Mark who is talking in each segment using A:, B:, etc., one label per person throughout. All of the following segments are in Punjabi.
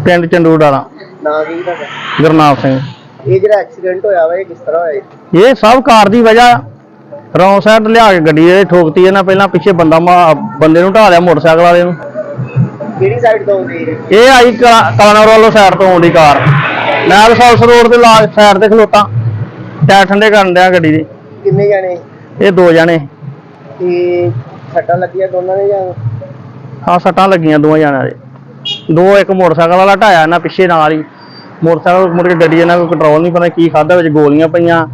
A: ਪਿੰਡ ਚੰਡੂ ਡਾਲਾ।
B: ਨਾਂ ਕੀ ਤੁਹਾਡਾ?
A: ਗੁਰਨਾਮ ਸਿੰਘ।
B: ਇਹ ਜਿਹੜਾ ਐਕਸੀਡੈਂਟ ਹੋਇਆ ਵਾ ਇਹ ਕਿਸ ਤਰ੍ਹਾਂ ਹੋਇਆ?
A: ਇਹ ਸਭ ਕਾਰ ਦੀ ਵਜ੍ਹਾ ਰੌਂਗ ਸਾਈਡ ਲਿਆ ਕੇ ਗੱਡੀ ਇਹ ਠੋਕਤੀ ਇਹਨਾਂ। ਪਹਿਲਾਂ ਪਿੱਛੇ ਬੰਦੇ ਨੂੰ ਢਾ ਲਿਆ ਮੋਟਰਸਾਈਕਲ ਵਾਲੇ ਨੂੰ।
B: ਕਿਹੜੀ ਸਾਈਡ ਤੋਂ ਆਉਂਦੀ
A: ਇਹ ਆਈ ਕਲਾਨੌਰ ਵੱਲੋਂ ਸਾਈਡ ਤੋਂ ਆਉਂਦੀ ਕਾਰ। ਮੈਂ ਰਸੌਲਸ ਰੋਡ ਤੇ ਲਾ ਸਾਈਡ ਤੇ ਖਲੋਤਾ, ਟਾਇਰ ਠੰਡੇ ਕਰਨ ਡਿਆ ਗੱਡੀ ਦੇ।
B: ਕਿੰਨੇ ਜਾਣੇ?
A: ਇਹ 2 ਜਣੇ।
B: ਤੇ ਸੱਟਾਂ ਲੱਗੀਆਂ ਦੋਨਾਂ ਦੇ ਜਾਂ?
A: ਹਾਂ, ਸੱਟਾਂ ਲੱਗੀਆਂ 2 ਜਣਿਆਂ ਦੇ। 2 ਇੱਕ ਮੋਟਰਸਾਈਕਲ ਵਾਲਾ ਢਾਇਆ ਇਹਨਾਂ ਪਿੱਛੇ ਨਾਲ ਹੀ। ਮੋਟਰਸਾਈਕਲ ਮੁੜ ਕੇ ਗੱਡੀ ਇਹਨਾਂ ਕੋਲ ਕੰਟਰੋਲ ਨਹੀਂ, ਪਤਾ ਕੀ ਖਾਧਾ, ਵਿੱਚ ਗੋਲੀਆਂ ਪਈਆਂ,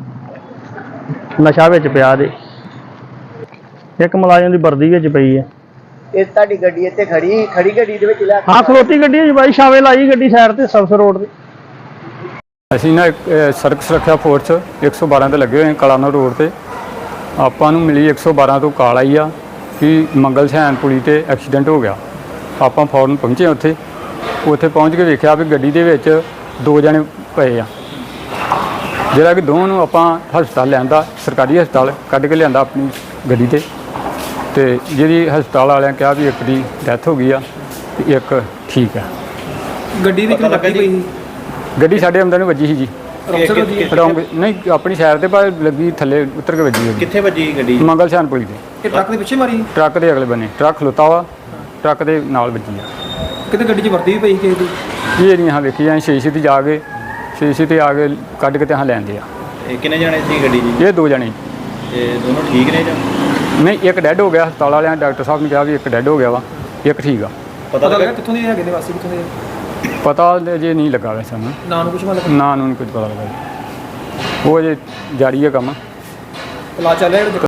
A: ਨਸ਼ਾ ਵਿੱਚ ਪਿਆ ਦੇ। ਇੱਕ ਮੁਲਾਜ਼ਮ ਦੀ ਵਰਦੀ ਵਿੱਚ ਪਈ ਹੈ।
B: ਇਹ ਤੁਹਾਡੀ ਗੱਡੀ ਇੱਥੇ ਖੜੀ ਗੱਡੀ ਦੇ ਵਿੱਚ ਲਿਆ?
A: ਹਾਂ, ਖਲੋਤੀ ਗੱਡੀ ਹੈ ਜੀ ਬਾਈ, ਛਾਵੇ ਲਾਈ ਗੱਡੀ ਸਾਈਡ ਤੇ ਸਰਵਿਸ ਰੋਡ ਤੇ।
C: ਅਸੀਂ ਨਾ ਸੜਕ ਸੁਰੱਖਿਆ ਫੋਰਸ 112 ਤੇ ਲੱਗੇ ਹੋਏ ਕਲਾਨੌਰ ਰੋਡ ਤੇ। ਆਪਾਂ ਨੂੰ ਮਿਲੀ 112 ਤੋਂ ਕਾਲ ਆਈ ਆ ਕਿ ਮੰਗਲ ਸੈਨ ਪੁਲੀ ਤੇ ਐਕਸੀਡੈਂਟ ਹੋ ਗਿਆ। ਆਪਾਂ ਫੌਰਨ ਪਹੁੰਚੇ ਉੱਥੇ ਪਹੁੰਚ ਕੇ ਵੇਖਿਆ ਵੀ ਗੱਡੀ ਦੇ ਵਿੱਚ 2 ਜਣੇ ਪਏ ਆ, ਜਿਹੜਾ ਕਿ ਦੋਵਾਂ ਨੂੰ ਆਪਾਂ ਹਸਪਤਾਲ ਲਿਆਂਦਾ, ਸਰਕਾਰੀ ਹਸਪਤਾਲ ਕੱਢ ਕੇ ਲਿਆਂਦਾ ਆਪਣੀ ਗੱਡੀ ਤੇ ਜਿਹਦੀ ਹਸਪਤਾਲ ਵਾਲਿਆਂ ਕਿਹਾ ਵੀ ਇੱਕ ਦੀ ਡੈਥ ਹੋ ਗਈ ਆ ਤੇ ਇੱਕ ਠੀਕ ਆ।
D: ਗੱਡੀ ਦੀ ਕਿਉਂ ਲੱਗੀ ਪਈ ਸੀ?
C: ਗੱਡੀ ਸਾਡੇ ਅੰਦਰ ਨੂੰ ਵੱਜੀ ਸੀ ਜੀ। ਰੌਂਗ ਨਹੀਂ, ਆਪਣੀ ਸਾਈਡ ਤੇ ਪਰ ਲੱਗੀ, ਥੱਲੇ ਉਤਰ ਕੇ ਵੱਜੀ।
D: ਕਿੱਥੇ ਵੱਜੀ ਗੱਡੀ?
C: ਮੰਗਲ ਸੈਨ ਪੁਲੀ ਤੇ।
D: ਇਹ ਟਰੱਕ ਦੇ ਪਿੱਛੇ ਮਾਰੀ?
C: ਟਰੱਕ ਦੇ ਅਗਲੇ ਬੰਨੇ ਟਰੱਕ ਖਲੋਤਾ ਵਾ, ਟਰੱਕ ਦੇ ਨਾਲ ਵੱਜੀ ਆ।
D: ਕਿਤੇ ਗੱਡੀ 'ਚ ਵਰਦੀ ਵੀ ਪਈ ਕਿਸੇ ਦੀ?
C: ਇਹ ਨਹੀਂ ਹਾਂ ਵੇਖੀ ਜਾਂ ਸ਼ੀਸ਼ੇ ਤੇ ਜਾ ਕੇ ਸ਼ੀਸ਼ੇ ਤੇ ਆ ਕੇ ਕੱਢ ਕੇ ਤੇ ਹਾਂ ਲੈਂਦੇ ਆ।
D: ਇਹ ਕਿੰਨੇ ਜਾਣੇ ਸੀ ਗੱਡੀ 'ਚ?
C: ਇਹ 2 ਜਣੇ।
D: ਇਹ ਦੋਨੋਂ ਠੀਕ ਨੇ ਜਾਂ?
C: ਨਹੀਂ, ਇੱਕ ਡੈੱਡ ਹੋ ਗਿਆ। ਹਸਪਤਾਲ ਵਾਲਿਆਂ ਡਾਕਟਰ ਸਾਹਿਬ ਨੇ ਕਿਹਾ ਵੀ ਇੱਕ ਡੈੱਡ ਹੋ ਗਿਆ ਵਾ, ਇੱਕ ਠੀਕ ਆ।
D: ਪਤਾ ਲੱਗਾ ਕਿੱਥੋਂ ਦੇ ਹੈਗੇ ਨੇ, ਵਾਸੀ ਕਿੱਥੋਂ ਦੇ?
C: ਪਤਾ ਜੇ ਨਹੀਂ ਲੱਗਾ ਵੈਸੇ ਸਾਨੂੰ।
D: ਨਾਂ ਨੂੰ ਕੁਛ ਮਤਲਬ?
C: ਨਾਂ ਨੂੰ ਨਹੀਂ ਕੁਝ ਪਤਾ ਲੱਗਾ ਜੀ। ਉਹ ਜੇ ਜਾਰੀ ਹੈ ਕੰਮ।
D: ਪਲਾ ਚੱਲਿਆ